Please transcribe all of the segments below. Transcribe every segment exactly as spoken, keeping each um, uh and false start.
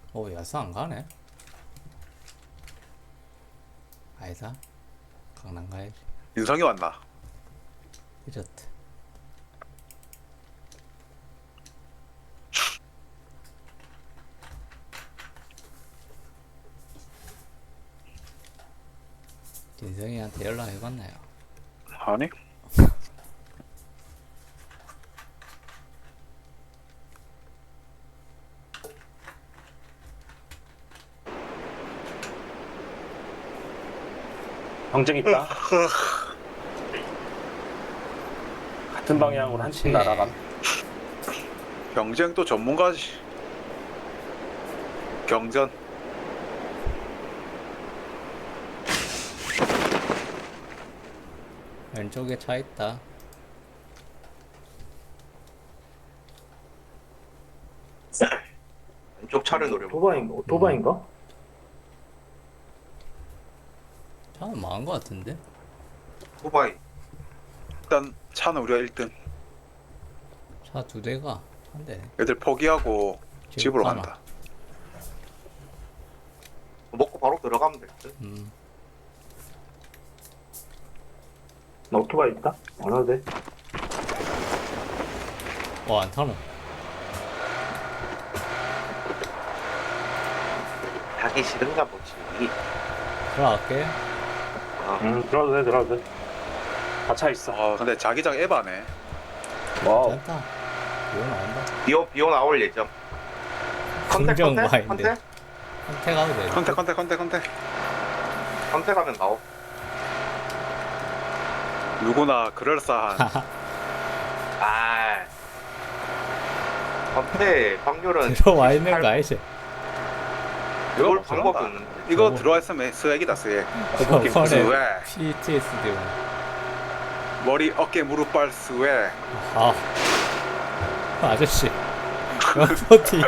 오, 야스 안 가네? 아니다. 강남 가야지. 인성이 왔나? 늦었다. 진성이한테 연락해봤나요? 아니? 경쟁 있다. 같은 방향으로 한 팀 오케이. 날아감. 경쟁 또 전문가지. 경전. 왼쪽에 차 있다. 왼쪽 차를 노려봐. 오토바이인가? 오토바이인가? 차는 망한 것 같은데? 오토바이. 일단 차는 우리가 일 등. 차 두 대가 한 대. 애들 포기하고 집으로 가나? 간다. 먹고 바로 들어가면 될 듯. 음. 나 오토바이 있다? 안 와도 돼. 어, 안 타노. 가기 싫은가 보지. 들어갈게. 아, 응, 들어도 돼, 들어도 돼. 다 차 있어. 아 근데 자기장 에바네. 와우. 괜찮다. 이거 나온다. 비오 비오 나올 예정. 컨택 긍정 컨택 마인드. 컨택 선택하도 돼. 컨택 컨택 컨택 컨택. 컨택하면 나오. 누구나 그럴싸한. 아, 컨택 확률은 들어와 있는 거 알지? 이거 그걸 못 방법이 들어간다. 없는데. 이거 저거- 들어와 있으면 스웩이다 스웩. 저번에 스웩. 피티에스디. 머리 어깨 무릎 발 스웩. 아, 아저씨. 연포티.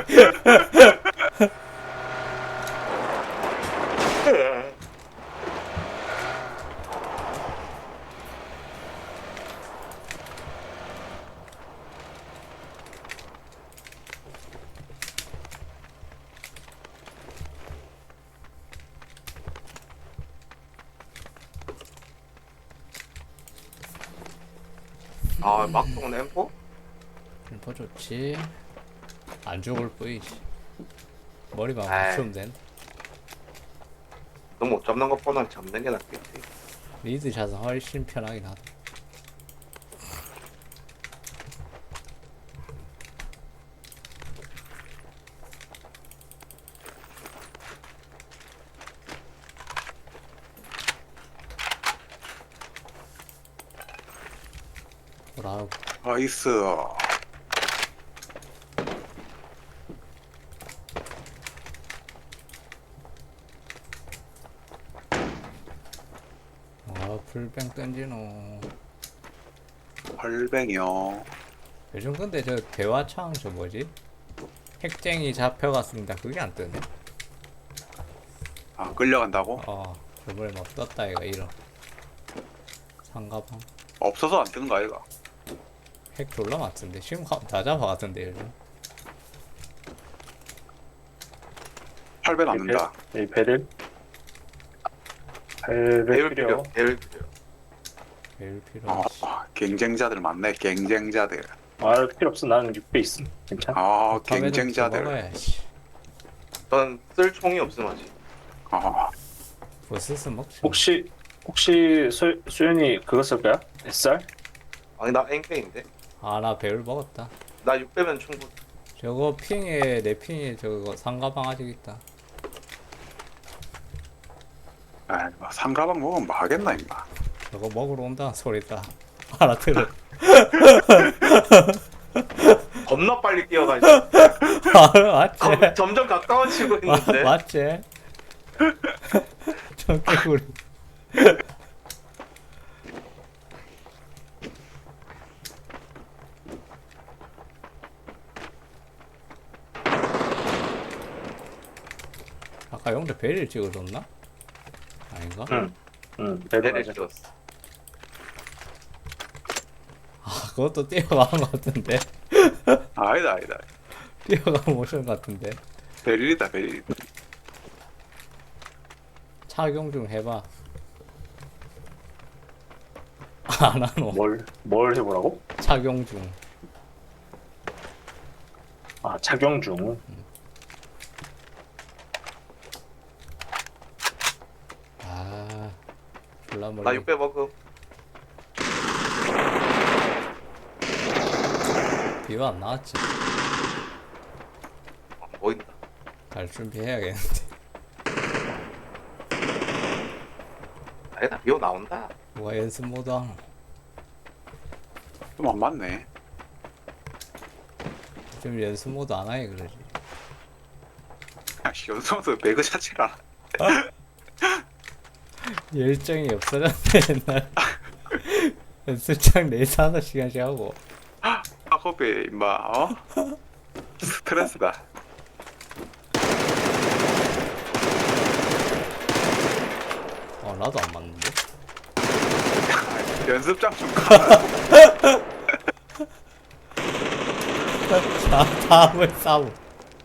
아, 막동은 엠포? 림퍼 좋지. 안 죽을 뿐이지. 머리만 아이. 맞추면 된다. 너 못 잡는 것보단 잡는 게 낫겠지. 리드 샷은 훨씬 편하긴 하다. 뭐라고? 나이스. 아, 풀뱅 던지노. 헐뱅이요. 요즘 근데 저 대화창 저 뭐지? 핵쟁이 잡혀갔습니다. 그게 안 뜨네. 아 끌려간다고? 어, 저번에 막 떴다 이거 이런. 상가방. 없어서 안 뜨는 거 아이가? 핵 졸라 맞던데. 지금 가- 다 잡아갔던데 요즘. 팔 배 남는다. 이 배를. 배를 배울 필요. 필요. 배울 필요. 배울 필요 어, 없이. 경쟁자들 많네. 경쟁자들. 아, 필요 없어. 나는 육 배 있음. 괜찮아? 아 탑에도 경쟁자들. 먹어야지. 전 쓸 총이 없음 아직. 아 버스스 먹지. 혹시, 혹시 수, 수연이 그거 쓸 거야? 에스알? 아니 나 앵페인데. 아, 나 배울 먹었다. 나 육 배면 충분. 저거 핑에 내 핑에 저거 상가방 아직 있다. 아, 뭐 상가방 먹으면 뭐 하겠나 임마. 저거 먹으러 온다는 소리다. 알아들어. 겁나 빨리 뛰어가지고. 아, 맞지? 검- 점점 가까워지고 마, 있는데. 맞지? 청개구리. 아까 영대 베리를 찍어줬나? 아닌가? 응. 응, 배를 배를 맞아. 찍었어. 아, 그것도 뛰어간 것 같은데. 아니다 아니다. 뛰어간 모션 같은데. 베릴이다 베릴. 착용 중 해봐. 안 하노. 뭘, 뭘 해보라고? 착용 중. 아, 착용 중. 아, 졸라 멀리. 나 육배 먹음. 비가 안 나왔지. 어, 보인다. 갈 준비해야겠는데. 아니다, 비오 나온다. 뭐가 연습 모드 하노? 좀 안 맞네. 좀 연습 모드 안 하게 그러지. 아씨 연습하면서 배그 자체가 열정이 없어졌네 옛날. 연습장 네시 하나씩 시간씩 하고. 학업에 임마 어? 스트레스다. 어 나도 안 맞는데. 연습장 좀 가. 자, 다음을 싸움.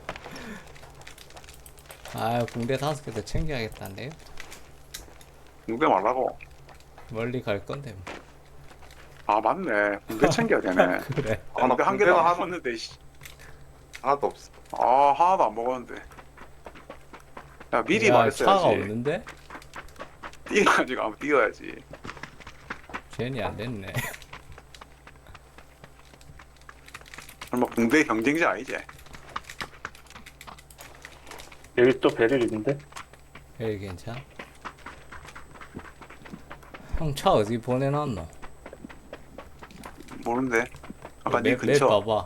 아, 군대 다섯 개 더 챙겨야겠다는데요? 군대 말라고. 멀리 갈 건데. 뭐. 아 맞네. 군대 챙겨야 되네. 그래. 아, 나 군대 한 개도 군대가 안 하나- 먹었는데 씨. 하나도 없어. 아 하나도 안 먹었는데. 야 미리 야, 말했어야지. 차가 없는데? 뛰어야지 가면 뛰어야지. 젠이 안 됐네. 설마 군대 경쟁자 아니지? 여기 또 베릴 있는데? 에이, 괜찮아? 형 차 어디 보내놨노? 모르는데. 아까 네 맵, 맵 근처. 봐봐.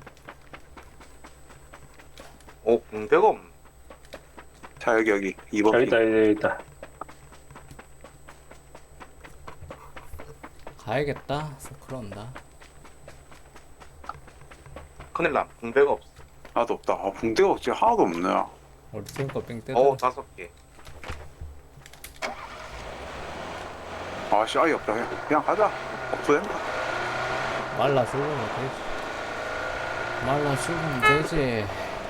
오, 군대가 없네. 자 여기 여기 이 번 여기 핑. 있다, 여기 있다. 가야겠다. 서클 온다. 큰일 남. 군대가 없어. 나도 없다. 아 군대가 진짜 하나도 없네. 우리 팀 거 뺑 오, 뜯어. 다섯 개. 아씨 아예 없다. 그냥, 그냥 가자. 없어 된다. 말라 죽으면 되지. 말라 죽으면 되지.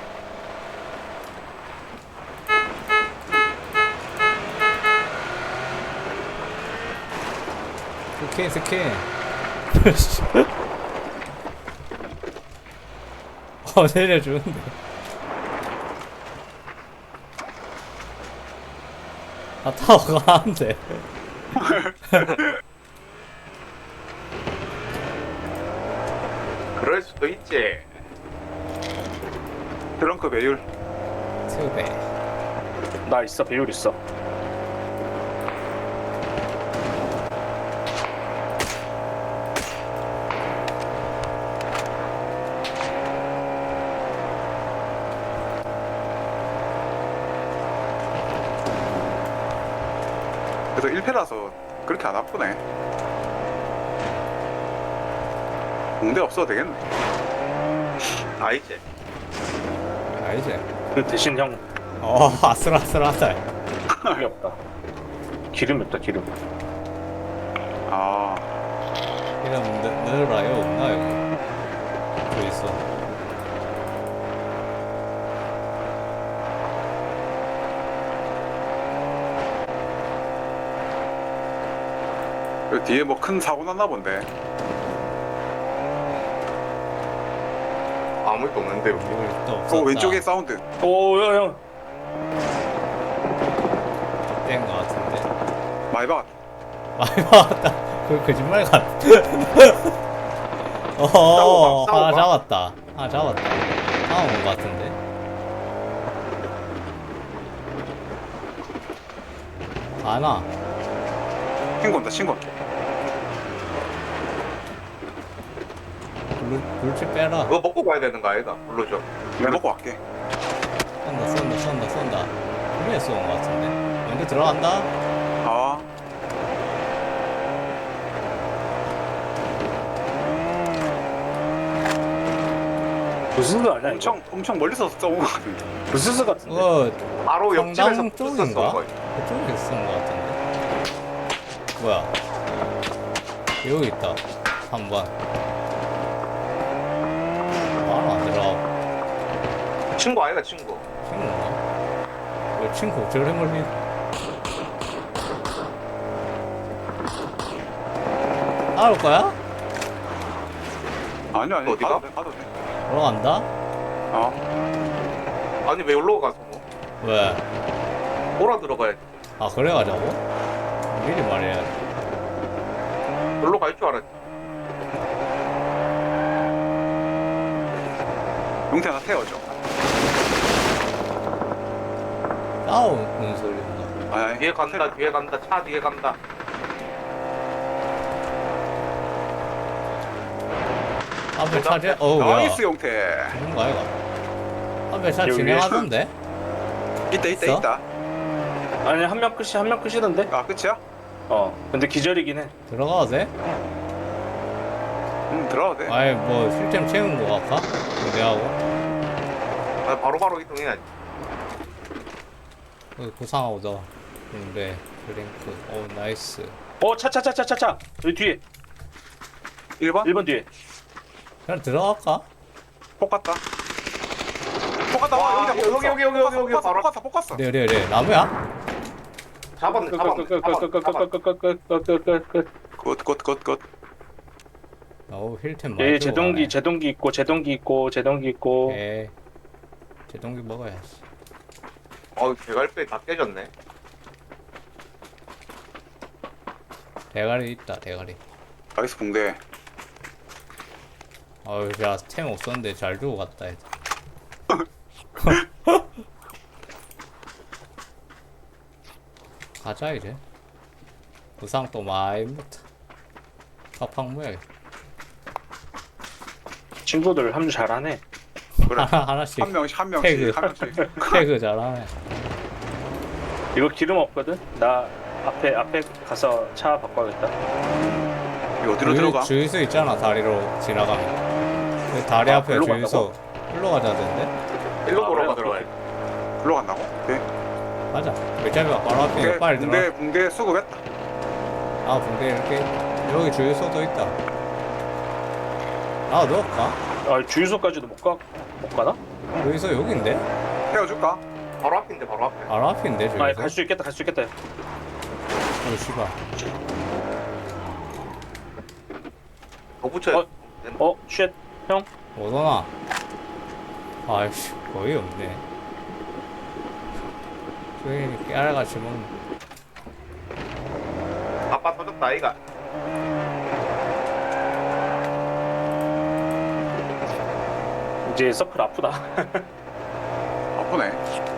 스킨 스킨. 어 내려주는데. 아 타고 가는데. 그럴 수도 있지. 트렁크 배율. 투배. 나 있어, 배율 있어. 그래서 일 패라서 그렇게 안 아프네. 군대 없어도 되겠네. 아니지. 알지? 그 대신 형, 어 아슬아슬하다. 그게 없다. 기름이 없다, 기름. 아 이런 늘어요 없나 여기? 저 있어. 그 뒤에 뭐 큰 사고 났나 본데. 아무것도 없는데 여기. 여기 또 어 없었다. 왼쪽에 사운드. 오, 야, 형. 뗀거 같은데. 많이 봐. 많이 나왔다. 그 거짓말 같. 어 싸워봐, 하나 싸워봐. 잡았다. 하나 잡았다. 다음 온거 같은데. 하나. 신고다 신고. 불 불빛 빼라. 그거 먹고 가야 되는 거 아니다. 불러줘. 내가 먹고 갈게. 쏜다 쏜다 쏜다 쏜다. 분명히 쏜거 같은데. 먼저 들어간다. 아 부스스 아니야, 이거? 엄청 엄청 멀리서 쏘는 거 같은데. 부스스 같은데? 어 바로 옆집에서 성당 부스 쪽인가? 쏜 거야. 그쪽에서 쏜거 같은데. 뭐야? 여기 있다. 삼 번. 바로 안 들어가고. 친구 아이가 친구. 친구인가? 왜 친구 저래 멀리 따라올 거야? 아니요 아니요 어디가? 가도 돼 가도 돼. 올라간다? 어. 아니 왜 여기로 가서 뭐? 왜? 돌아 들어가야지. 아 그래 가자고? 미리 말해야지. 여기로 갈 줄 알았지. 용태 하나 태워줘. 싸우는 소리인가? 아니 아니 뒤에 간다 뒤에 간다 차 뒤에 간다. 앞에 차 지... 어우 뭐야 나이스 용태. 뭔가 아이가 앞에 차 여기 진행하던데? 있다 있다 있어? 있다. 아니 한 명 끝이 한 명 끝이던데? 아 끝이야? 어 근데 기절이긴 해. 들어가도 돼? 응 들어가도 돼. 아이 뭐 실템 채운 거 같까? 내하고 아, 바로바로 이동해야지. 어, 고상하고 더 근데 드링크 오 나이스 어 차 차 차 차 차차 여기 뒤에 일 번? 일 번 뒤에. 그냥 들어갈까? 폭 갔다. 폭 갔다. 와, 와 여기다 여기, 여기, 여기, 여기, 여기, 폭 바로. 갔어 폭 갔어. 네, 네, 네. 나무야? 잡았네 잡았네 잡았네 잡았네. 굿굿굿굿. 어우 힐템 많이 예 들고 제동기 가네. 제동기 있고 제동기 있고 제동기 있고. 예. 제동기 먹어야지. 어우 대갈배 다 깨졌네. 대가리 있다 대가리. 나이스 붕대. 어우 야템 없었는데 잘 주고 갔다 해도. 가자 이제. 부상 또 많이 못해. 파팡 모야겠다. 친구들 합류 잘하네. 그래. 하나 하나씩 한 명씩 한 태그. 명씩 한 명씩. 태그 잘하네. 이거 기름 없거든? 나 앞에 앞에 가서 차 바꿔야겠다. 이거 어디로 들어가? 주유소 있잖아 다리로 지나가면. 그 다리 아, 앞에 일로 주유소. 일로 가자던데. 일로 아, 돌아가 그래? 들어가야지. 글로 간다고? 오케이. 가자. 어차피 바로 앞에 붕대 빨리 들어. 붕대 붕대 수급했다. 아 붕대 이렇게 여기 주유소도 있다. 아 넣을까? 아 주유소까지도 못 가? 못 가나? 주유소 여기인데? 태워줄까? 바로 앞인데 바로 앞에. 바로 앞인데 주유소? 아 갈 수 있겠다 갈 수 있겠다. 어 씨발. 더 붙여야 어? 어? 쉣 형? 오더나. 아이씨 거의 없네. 저기 깨알같이 먹는. 아빠 터졌다 아이가. 이제 서클 아프다. 아프네.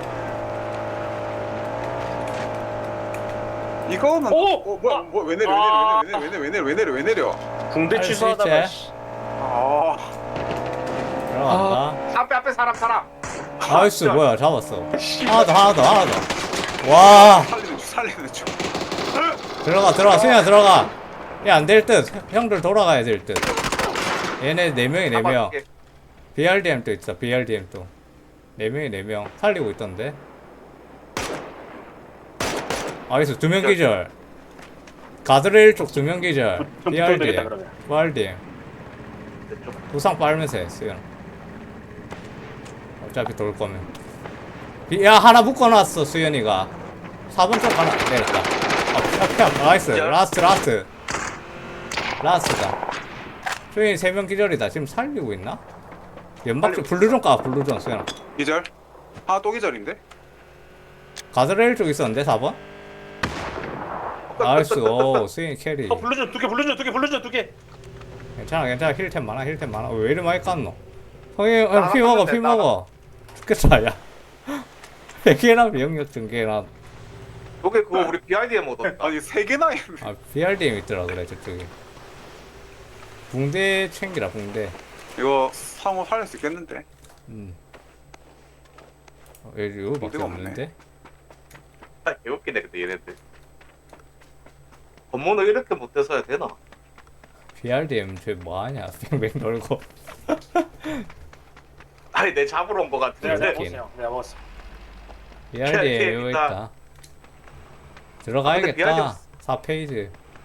이거는 오! 어, 뭐야 아! 뭐, 왜 내려 아! 왜 내려 왜 내려 왜 내려 왜 내려 왜 내려 붕대 할수 취소하다가 있지? 씨. 아 들어간다. 앞에 앞에 사람 사람. 나이스 뭐야 잡았어. 하나 더 하나 더 하나 더. 와 살리는 중 살리는 중. 들어가 들어가 수현아 들어가. 야 안 될 듯. 형들 돌아가야 될 듯. 얘네 네 명이 네 명. 잡아줄게. 비알디엠 또 있어 비알디엠 또. 네 명이 네 명 살리고 있던데. 알겠어 두 명 기절. 가드레일 쪽 두 명 기절. 좀 붙어야 되겠다 비알디엠. 그러면. 비알디엠. 왼쪽. 부상 빨면서 해 수현. 어차피 돌 거면. 비, 야 하나 묶어놨어 수현이가. 사 번 쪽 하나 내렸다. 아 피야 피야 나이스. 기절. 라스트 라스트. 라스트다. 수현이 세 명 기절이다. 지금 살리고 있나? 연막 쪽 블루존 까 블루존 수현아. 기절. 하나 또 기절인데? 가드레일 쪽 있었는데 사 번? 나이스 오 스윙 캐리. 어 블루전 두개 블루전 두개 블루전 두 개. 괜찮아 괜찮아 힐템 많아 힐템 많아. 왜 이리 많이 깠노? 형이 나가 피 먹어 깠는데, 피 나가. 먹어. 죽겠다 야. 백개나 병력 증개나. 저게 그거 우리 비아이디엠 얻었다. 아니 세 개나 했네. 아 비알디엠 있더라 그래 저쪽에. 붕대 챙기라 붕대. 이거 상호 살릴 수 있겠는데? 음. 어, 여기 이거밖에 붕대가 없는데? 아, 개웃기네 근데 얘네들. 건모는 이렇게 못해서야 되나? 비알디엠 저 뭐하냐 뱅뱅 돌고. 아니 내 잡으러 온 거 내가 같은데. 내가 오케이. 먹었어 형. 내가 먹었어. 비알디엠 비알디엠 이거 있다. 있다. 아, 근데 비알디엠 들어가야겠다. 없- 사 페이지.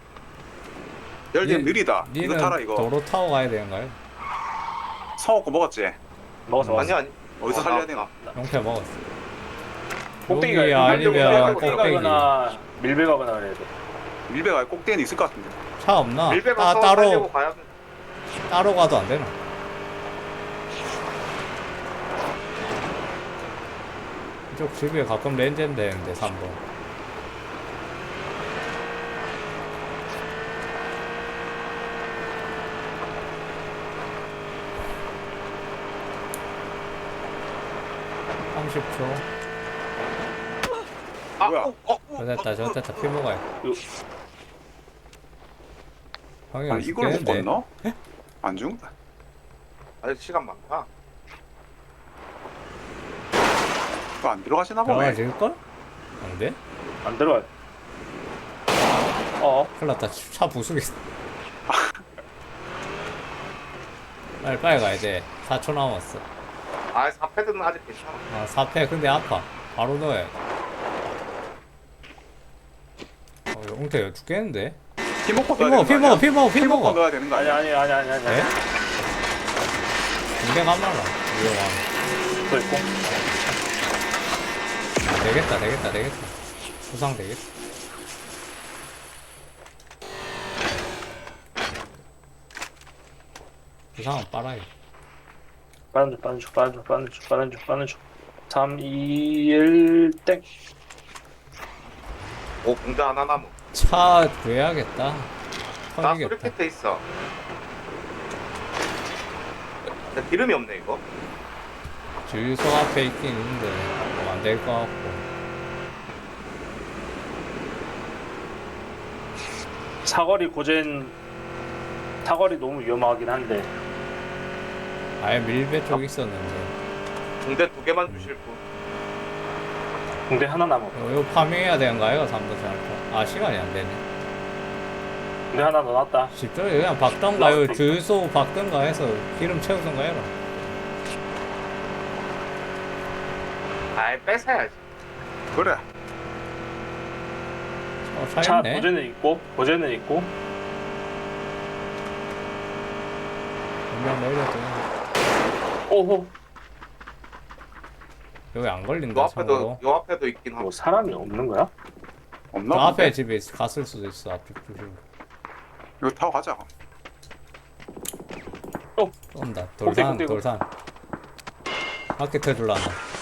열개 니- 느리다. 이거 니는 타라 이거. 도로 타고 가야 되는 거야? 성호 거 먹었지? 먹었어 먹었어. 아니 아니. 어디서 어, 살려야 나- 되나? 용태 먹었어. 꼭대기가 여기 있나? 아니면 꼭대기 꼭대기. 가거나 밀배 가거나 그래야 돼. 밀배가 꼭대기는 있을 것 같은데. 차 없나? 밀배 따, 가서 따로 살리고 가야 돼. 따로 가도 안 되나? 이쪽 집에 가끔 렌즈는 되는데 삼 번. 삼십 초. 아, 뭐야? 어, 어, 어, 저 됐다, 저 됐다. 피 먹어야 돼. 요- 형이 아니 이걸 못 죽겠는데? 건너? 안 죽는다. 아직 시간 많다. 그거 안 들어가시나 보네. 들어가질걸? 안 돼? 안 들어가. 어. 큰일 났다. 차 부수겠어. 빨리 빨리 가야 돼. 사 초 남았어. 아, 사패드는 아직 괜찮아. 아, 사 패 근데 아파. 바로 넣어야 돼. 어, 용태 죽겠는데? 피 먹고 피 넣어야 먹어, 피 되는 거 먹어, 아니야? 피 먹어, 피 피 먹고 먹어. 넣어야 되는 거 아니 아니야? 아니 아니 아니 아니. 네? 군대 가말라. 위험하네. 또 있고. 아, 되겠다, 되겠다, 되겠다. 부상 되겠다. 부상은 빨아요. 빠른 중 빠른 중 빠른 중 빠른 중 빠른 중 빠른 중. 삼, 이, 일 땡. 오, 공대 하나 남은. 차 구해야겠다. 나 터지겠다. 수리키트 있어. 근데 기름이 없네, 이거. 주유소 앞에 있긴 있는데 뭐 안 될 것 같고. 사거리 고젠 사거리 너무 위험하긴 한데. 아예 밀배 쪽 있었는데. 공대 두 개만 주실 분. 공대 하나 남아. 어, 이거 파밍해야 되는 거 아이가? 삼 번 잘까? 아 시간이 안 되네. 공대 하나 넣어놨다. 집중해 그냥 박던가요. 주유소 박던가 해서 기름 채우던가 해라. 아이, 뺏어야지. 그래. 어, 차 차 있네. 고젠은 있고 고젠은 있고. 분명 내려도 오호. 여기 안 요 걸린다 참고로. 앞에도, 요 앞에도 있긴 하고. 뭐 사람이 없는 거야? 없나? 저 앞에 본데? 집에 있- 갔을 수도 있어. 앞에 조심. 이거 타고 가자. 또 쏜다. 꼭대기, 돌산 꼭대기. 돌산. 바퀴 터줄라나.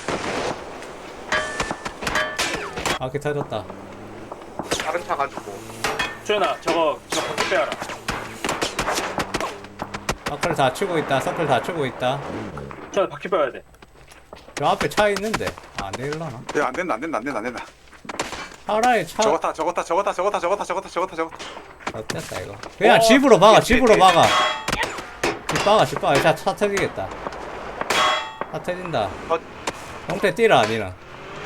바퀴 터졌다. 다른 차 가지고. 주연아 저거 저거 바퀴 빼야라. 서클 다 치고 있다. 서클 다 치고 있다. 주연아 바퀴 빼야 돼. 저 앞에 차 있는데 안 되려나? 야, 안 된다, 안 된다, 안 된다, 안 된다. 차라리 차. 저거 타, 저거 타, 저거 타, 저거 타, 저거 타, 저거 타, 저거 타, 저거 타. 어땠다 이거. 그냥 어, 집으로 막아. 예, 집으로 예, 예. 막아. 집 막아. 집 막아. 차, 차 터지겠다. 차 터진다. 어. 형태 뛰라 니는.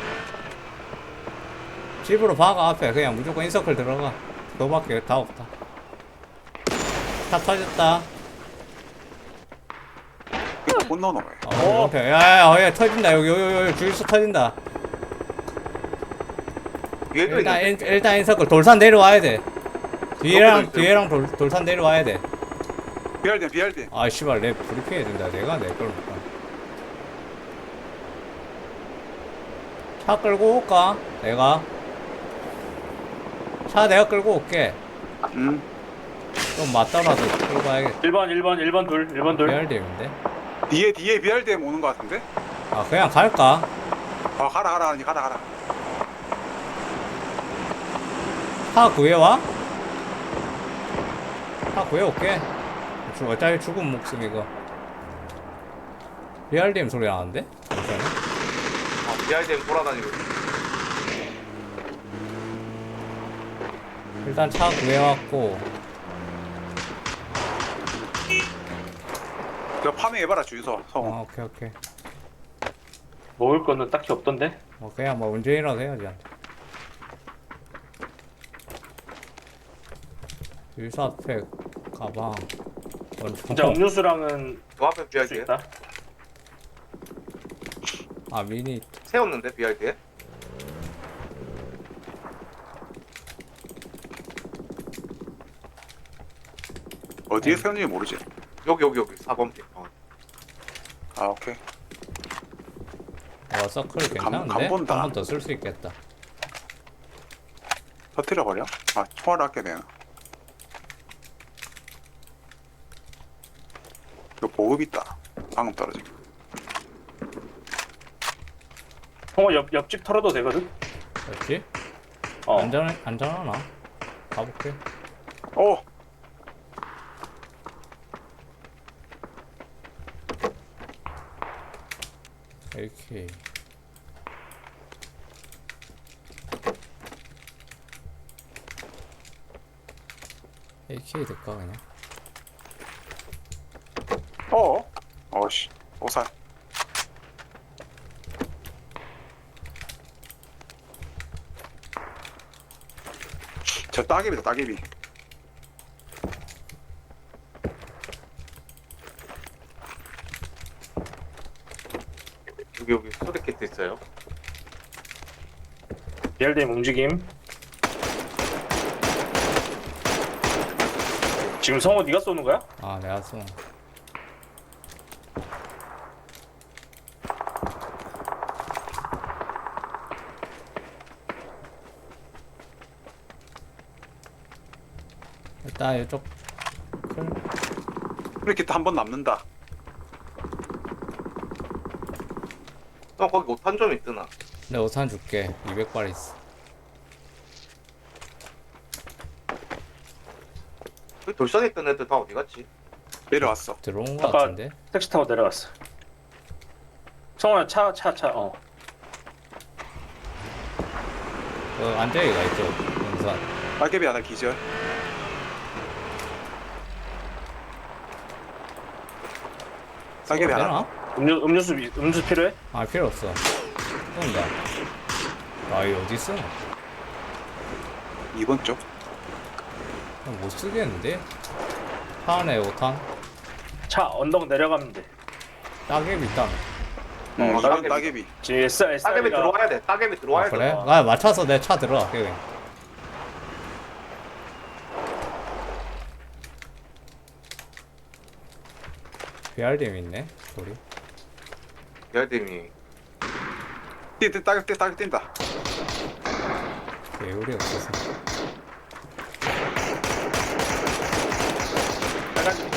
집으로 박아 앞에. 그냥 무조건 인서클 들어가. 그거밖에 다 없다. 차 터졌다. 이거 못 넣어, 왜? 어, 형태. 야야야. 어, 야, 터진다. 여기 여기 여기 주유소 터진다. 뒤에도 일단 있는데. 인, 일단 인서클 돌산 내려와야 돼. 뒤에랑 있어요. 뒤에랑 돌, 돌산 내려와야 돼. 비알대, 비알대. 아 씨발 내 브리핑 해준다. 내가 내 걸 볼까. 차 끌고 올까? 내가 차 내가 끌고 올게. 음. 좀 맞더라도 끌고 가야겠다. 일 번 일 번 일 번 둘 일 번 둘. 비알디인데. 뒤에, 뒤에 비알대 오는 거 같은데? 아 그냥 갈까? 아, 가라, 가라, 아니, 가라, 가라. 차 구해와? 차 구해올게. 주- 어차피 죽은 목숨 이거. 비알디임 소리 나는데? 잠시만요. 어, 비아이디엠 돌아다니고 있어. 일단 차 구해왔고. 저 파밍해봐라, 주유소. 성우. 아 오케이 오케이. 먹을 거는 딱히 없던데. 뭐 그냥 뭐 운전이라도 해야지. 유사 앞에 가방. 진짜 음료수랑은 저 앞에 줄 수 비아이디엠. 있다. 아 미니. 세웠는데, 비아이디엠. 어디에 세웠는지 모르지. 여기, 여기, 여기. 사 번 핀. 어. 아, 오케이. 어 서클 감- 괜찮은데? 감 본다. 한 번 더 쓸 수 있겠다. 터트려 버려? 아 총알 아껴야 되나? 이거 보급 있다. 방금 떨어진 거. 형아 옆 옆집 털어도 되거든. 그렇지? 어. 안전 안전하나? 가볼게. 오! 에이케이. 에이케이 될까 그냥? 어? 어씨 오살. 저 따개비다 따개비. 여기 여기 소리캐트 있어요. 비알디엠 움직임. 지금 성호 네가 쏘는 거야? 아 내가 쏜. 일단 이쪽 클. 이렇게 한 번 남는다. 형 거기 오탄 좀 있더나. 내 오산 줄게. 이백 발 있어. 그 돌산에 있던 애들 다 어디 갔지? 내려왔어. 들어온 거 아까 같은데? 택시 타고 내려갔어. 성호야 차 차 차 어. 어 안재이가 있죠. 용산. 따개비 하나 기절. 따개비 하나. 되나? 음료 음료수 음료수 필요해? 아 필요 없어. 쏜다. 아이 어디 있어? 이번 쪽. 못 쓰겠는데? 차 안에 오탄? 차 언덕 내려가면 돼. 따개비 있다며. 응, 어, 이번 따개비. 따개비. 지금 S S 따개비 들어와야 돼. 따개비 들어와야 아, 그래? 돼. 나 맞춰서 내 차 들어갈게 그냥. 비알디엠 있네 소리. 비알댐이 뛴, 따개 뛴, 따개 뛴다. 배율이 없어서. 빨간색.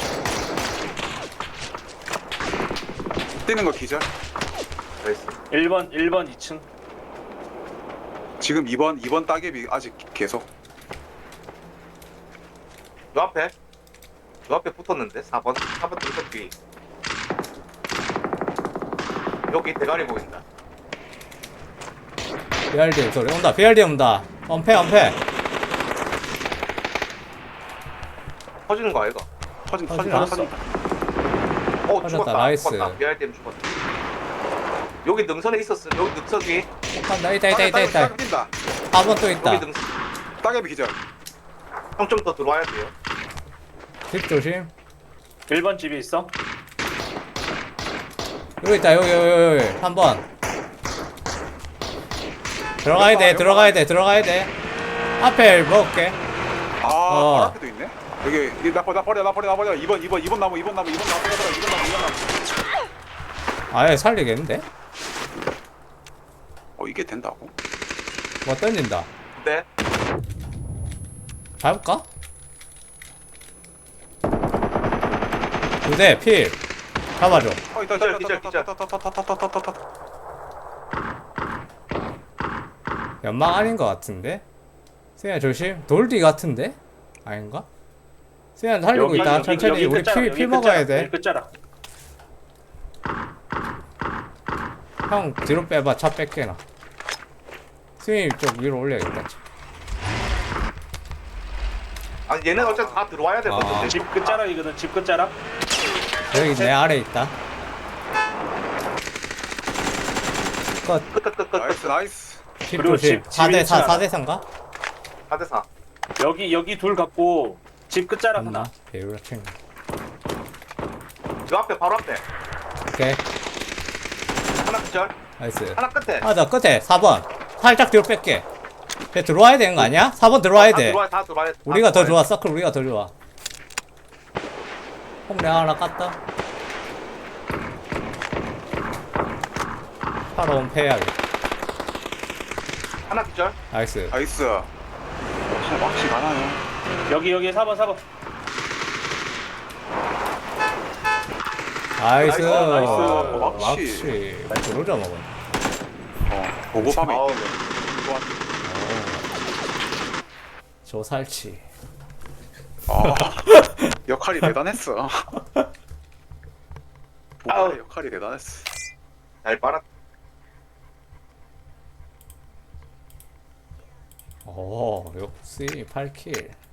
뛰는 거 기절. 나이스. 일 번 일 번 이 층. 지금 이번 이번 따개비 아직 계속. 요 앞에 요 앞에 붙었는데 사 번 사 번 등석 뒤. 여기 대가리 보인다. 비알디엠 소리 온다. 비알디엠 온다. 엄폐 엄폐. 터지는 거 아이가? 터진 터진 터진 않았어. 터진. 어 터졌다, 죽었다. 나이스. 죽었다. 비알댐 죽었다. 여기 능선에 있었어. 여기 능선 위. 간다. 있다 있다 있다 있다. 따개 뛴다. 사 번 또 있다. 여기 능선. 따개비 기절. 형 좀 더 들어와야 돼요. 집 조심. 일 번 집에 있어. 여기 있다. 여기 여기 여기. 한 번. 들어가야 돼. 들어가야 돼. 들어가야 돼. 앞에 먹을게. 아, 어. 바로 앞에도 있네. 여기 이, 나 버려 나 버려 나 버려 나 버려. 이번 이번 이번 나무 이번 나무 이번 나무 버려 버려 이번 나무 이번 나무. 아예 살리겠는데? 어 이게 된다고? 뭐 던진다. 근데 밟을까? 두대 필. 잡아줘. 어 있다 기절, 있다 기절, 있다 기절. 있다 있다 있다 있다 있다 있다 있다. 연막 아닌 것 같은데? 세야 조심. 돌뒤 같은데? 아닌가? 세야 살리고 있다. 천천히 우리 끝자락, 피, 여기 피 먹어야 끝자락, 돼. 여기 끝자락. 형 뒤로 빼봐. 차 뺏게나. 스윙 쪽 위로 올려야겠다. 아니 얘는 어차피 다 들어와야 되거든. 아. 집 끝자락이거든. 집 끝자락. 여기 내 아래 있다. 끝. 끝끝끝끝 나이스 나이스. 집 그리고 조심. 집- 사 대 사, 집에 사 대 사인가? 사 대 사. 여기 여기 둘 갖고 집 끝자락 하나. 맞나? 배율 챙. 요 앞에 바로 앞에 오케이. 하나 기절. 나이스. 하나 끝에. 맞아 끝에 사 번. 살짝 뒤로 뺄게. 걔 들어와야 되는 거 아니야? 사 번 들어와야 다 돼. 들어와 다 들어와야 돼. 다 우리가 더 들어와야 좋아. 서클 우리가 더 좋아. 홍 내가 하나 깠다. 팔아온 패야겠다. 하나 기절. 나이스. 나이스. 진짜 막시 많아요. 여기 여기 사 번 사 번. 나이스. 나이스. 막시. 들어오자 먹어. 어, 보고밤에 아우, 저 살치. 아, 역할이 대단했어. 보고의 역할이 대단했어. 잘 빨았. 오, 역시 팔 킬.